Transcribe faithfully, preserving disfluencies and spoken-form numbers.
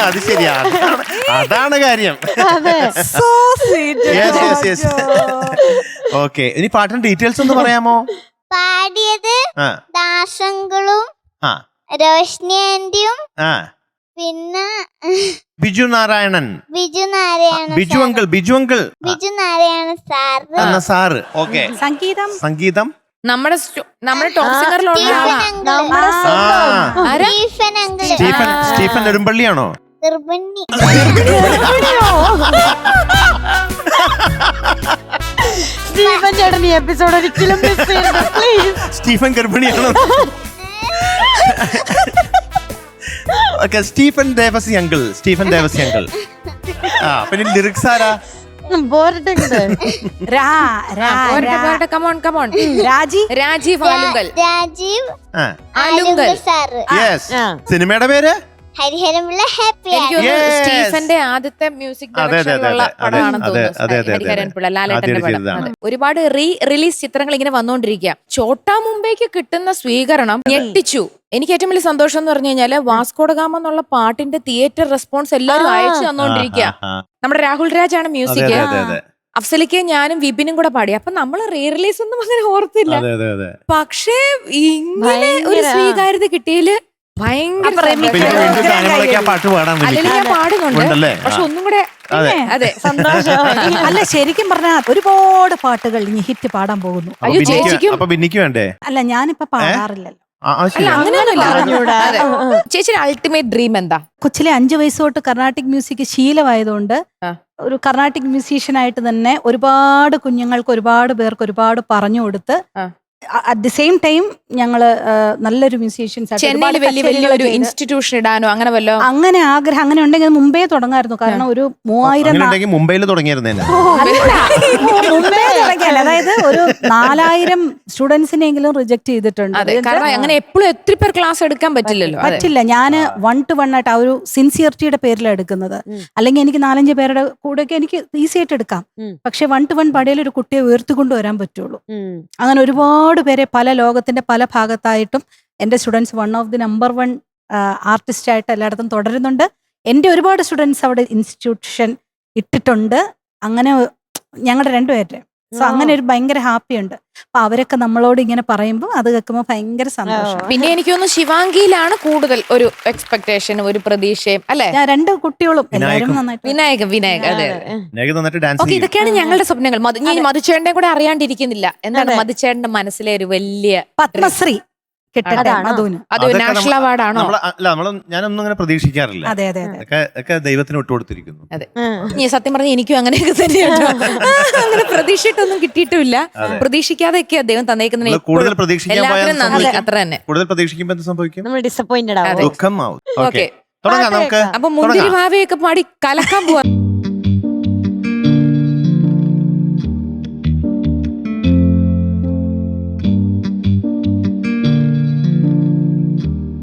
അത് ശരിയാ, അതാണ് കാര്യം. ഓക്കെ, ഇനി പാട്ടിന്റെ ഡീറ്റെയിൽസ് ഒന്ന് പറയാമോ? പാടിയത് ദാസങ്കളും റോഷ്നി ആന്റിയും പിന്നെ Biju Narayanan. Biju Narayana Biju uncle Biju uncle Biju Narayana sir sir. Okay, സംഗീതം സംഗീതം നമ്മുടെ നമ്മുടെ ടോപ്പ് സിംഗറിലുള്ള സ്റ്റീഫൻ സ്റ്റീഫൻ നെടുമ്പള്ളിയാണോ? സ്റ്റീഫൻ ചേട്ടൻ ഈ എപ്പിസോഡ് ഒരിക്കലും മിസ് ചെയ്യരുത് പ്ലീസ്. സ്റ്റീഫൻ ഗർഭിണിയാണോ? Okay, Stephen Devassy uncle. Stephen Devassy uncle. ആ, പിന്നെ ലിറിക്സ് ആരാ? രാജീവ് രാജീവ് ആലുങ്കൽ. രാജീവ് ആലുങ്കൽ സാറ്. സിനിമയുടെ പേര് ഹരിഹരമുള്ള ഹാപ്പി. സ്റ്റീഫന്റെ ആദ്യത്തെ മ്യൂസിക് ഡയറക്ഷനിലുള്ള പടമാണെന്ന് തോന്നുന്നു. ഹരിഹരൻ പിള്ള, ലാലേട്ടന്റെ പടം. ഒരുപാട് റീ റിലീസ് ചിത്രങ്ങൾ ഇങ്ങനെ വന്നുകൊണ്ടിരിക്കുക. ചോട്ടാ മുംബൈക്ക് കിട്ടുന്ന സ്വീകരണം ഞെട്ടിച്ചു. എനിക്ക് ഏറ്റവും വലിയ സന്തോഷം എന്ന് പറഞ്ഞു കഴിഞ്ഞാല് വാസ്കോഡഗാമ എന്നുള്ള പാട്ടിന്റെ തിയേറ്റർ റെസ്പോൺസ് എല്ലാവരും അയച്ചു തന്നോണ്ടിരിക്കുക. നമ്മുടെ രാഹുൽ രാജാണ് മ്യൂസിക്. അഫ്സലിക്ക് ഞാനും വിപിനും കൂടെ പാടി. അപ്പൊ നമ്മൾ റീ റിലീസ് ഒന്നും അങ്ങനെ ഓർത്തില്ല. പക്ഷേ ഇങ്ങനെ ഒരു സ്വീകാര്യത കിട്ടിയതില് ഭയങ്കര അല്ലെങ്കിൽ ഞാൻ പാടുന്നുണ്ട്, പക്ഷെ ഒന്നും കൂടെ അതെ സന്തോഷം. അല്ല, ശരിക്കും പറഞ്ഞാൽ ഒരുപാട് പാട്ടുകൾ ഇനി ഹിറ്റ് പാടാൻ പോകുന്നു. അയ്യോ, ചേച്ചിക്കും വേണ്ടേ? അല്ല, ഞാനിപ്പോ പാടാറില്ലല്ലോ. അല്ല, അങ്ങനെയൊന്നുമില്ല. ചേച്ചിയുടെ അൾട്ടിമേറ്റ് ഡ്രീം എന്താ? കൊച്ചിലെ അഞ്ചു വയസ്സ് തൊട്ട് കർണാട്ടിക് മ്യൂസിക് ശീലമായതുകൊണ്ട് ഒരു കർണാട്ടിക് മ്യൂസീഷ്യനായിട്ട് തന്നെ ഒരുപാട് കുഞ്ഞുങ്ങൾക്ക് ഒരുപാട് പേർക്ക് ഒരുപാട് പറഞ്ഞു കൊടുത്ത് അറ്റ് ദി സെയിം ടൈം ഞങ്ങള് നല്ലൊരു മ്യൂസീഷ്യൻസ് ചെന്നൈയിൽ വലിയ വലിയൊരു ഇൻസ്റ്റിറ്റ്യൂഷൻ ഇടാനോ അങ്ങനെ വല്ലോ അങ്ങനെ ആഗ്രഹം അങ്ങനെ ഉണ്ടെങ്കിൽ മുമ്പേ തുടങ്ങായിരുന്നു. കാരണം ഒരു മൂവായിരം മുംബൈയിൽ തുടങ്ങിയിരുന്നേ മുമ്പേ തുടങ്ങിയല്ല, അതായത് ഒരു നാലായിരം സ്റ്റുഡൻസിനെങ്കിലും റിജക്ട് ചെയ്തിട്ടുണ്ട്. കാരണം അങ്ങനെ എപ്പോഴും എത്ര പേർ ക്ലാസ് എടുക്കാൻ പറ്റില്ലല്ലോ. പറ്റില്ല. ഞാൻ വൺ ടു വൺ ആയിട്ട് ആ ഒരു സിൻസിയറിറ്റിയുടെ പേരിലാണ് എടുക്കുന്നത്. അല്ലെങ്കിൽ എനിക്ക് നാലഞ്ച് പേരുടെ കൂടെയൊക്കെ എനിക്ക് ഈസി ആയിട്ട് എടുക്കാം. പക്ഷെ വൺ ടു വൺ പടയിൽ ഒരു കുട്ടിയെ ഉയർത്തിക്കൊണ്ടു വരാൻ പറ്റുള്ളൂ. അങ്ങനെ ഒരുപാട് പേരെ പല ലോകത്തിന്റെ പല ഭാഗത്തായിട്ടും എൻ്റെ students one of the number one artist ആയിട്ട് എല്ലായിടത്തും തുടരുന്നുണ്ട്. എൻ്റെ ഒരുപാട് സ്റ്റുഡൻസ് അവിടെ ഇൻസ്റ്റിറ്റ്യൂഷൻ ഇട്ടിട്ടുണ്ട്. അങ്ങനെ ഞങ്ങളുടെ രണ്ടുപേരുടെ സോ അങ്ങനെ ഒരു ഭയങ്കര ഹാപ്പി ഉണ്ട്. അപ്പൊ അവരൊക്കെ നമ്മളോട് ഇങ്ങനെ പറയുമ്പോൾ അത് കേൾക്കുമ്പോൾ ഭയങ്കര സന്തോഷം. പിന്നെ എനിക്ക് തോന്നുന്നു ശിവാംഗിയിലാണ് കൂടുതൽ ഒരു എക്സ്പെക്ടേഷൻ, ഒരു പ്രതീക്ഷയും അല്ലെ? ഞാൻ രണ്ട് കുട്ടികളും എല്ലാവരും നന്നായിട്ട്. വിനായകൻ വിനായകൻ അതെ. ഓക്കെ, ഇതൊക്കെയാണ് ഞങ്ങളുടെ സ്വപ്നങ്ങൾ. ഞാൻ മധുചേട്ടനെ കൂടെ അറിയാണ്ടിരിക്കുന്നില്ല. എന്താണ് മധുചേട്ടന്റെ മനസ്സിലെ ഒരു വലിയ പത്മശ്രീ അത് നാഷണൽ അവാർഡാണോ? ഞാനൊന്നും അങ്ങനെ പ്രതീക്ഷിക്കാറില്ല. അതെ അതെ അതെ, ദൈവത്തിന് വിട്ടുകൊടുത്തിരിക്കുന്നു. അതെ, സത്യം പറഞ്ഞ എനിക്കും അങ്ങനെയൊക്കെ തന്നെയാണ്. അങ്ങനെ പ്രതീക്ഷിച്ചിട്ടൊന്നും കിട്ടിയിട്ടുമില്ല. പ്രതീക്ഷിക്കാതെയൊക്കെയാ ദൈവം തന്നേക്കുന്നതിന് കൂടുതൽ പ്രതീക്ഷിക്കാൻ നന്ദി. അത്ര തന്നെ. കൂടുതൽ പ്രതീക്ഷിക്കുമ്പോൾ എന്ത് സംഭവിക്കും? ഡിസപ്പോയിന്റഡ് ആവും. ദുഃഖം ആവും. ഓക്കെ, അപ്പൊ മുന്തിരി ഭാവയൊക്കെ പാടി കലക്കാൻ പോവാ.